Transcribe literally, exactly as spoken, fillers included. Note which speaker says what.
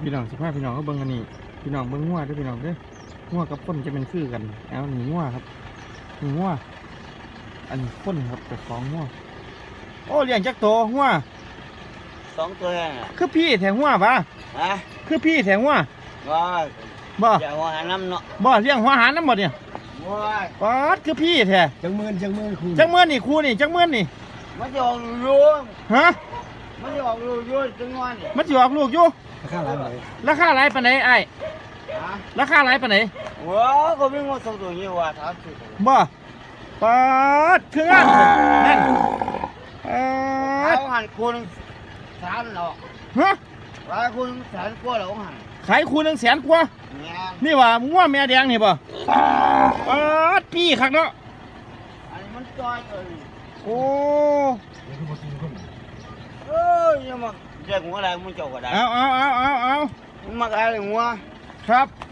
Speaker 1: พี่น้องสิพาพี่น้องเขาเบิ่งอันนี้พี่น้องเบิ่งงัวด้วยพี่น้องเด้องัวกับคนจะเป็นคือกันเอาหนีงัวครับหนีงัวอันนี้คนครับแต่ของงัวโอ้เลี้ยงจักโตงัว
Speaker 2: สองตัวน่ะ
Speaker 1: คือพี่แถงงัวปะ
Speaker 2: ฮะ
Speaker 1: คือพี่แถงงัว
Speaker 2: ว่า
Speaker 1: บ่
Speaker 2: จะหัวหาน้ำเนาะ
Speaker 1: บ่เลี้ยงหัวหารน้ำหมดเนี่ย
Speaker 2: ว้า
Speaker 1: ป๊อดคือพี่แท้
Speaker 3: จังเมือนจังเมือนครู
Speaker 1: จักเมื่อนี่ครูนี่จักเมื่อนี่
Speaker 2: มันจะออกรู
Speaker 1: ฮะ
Speaker 2: มันจะออกรูรูจังงอนนี่
Speaker 1: มันจะออกลูกอยู่
Speaker 3: ราคาหลายเลย
Speaker 1: ราคาหลายปานไหนไอ้ราคาหลายปานไหน
Speaker 2: ว้าก็มีงูสองตัวนี้ว่าท้าสุด
Speaker 1: บ่ป๊อดคืองานนั่นป๊อด
Speaker 2: เขาหันคูณสามหรอก
Speaker 1: ฮะ
Speaker 2: ว่าคูณแสนกว่าหรอกหัน
Speaker 1: ขายคูหนึ่งแสนกว่านี่ว่างัวแม่แดงนี่ป่ะป๊อดพี่คักเนาะ
Speaker 2: อันนี้มันจอยเลย
Speaker 1: โอ้
Speaker 2: เอ้ยยังมาเรียกหัวอะไรมึงเจ้าก็ได้
Speaker 1: เอาเอาเอาเอาเอา
Speaker 2: มันมาอะไรหัว
Speaker 1: ครับ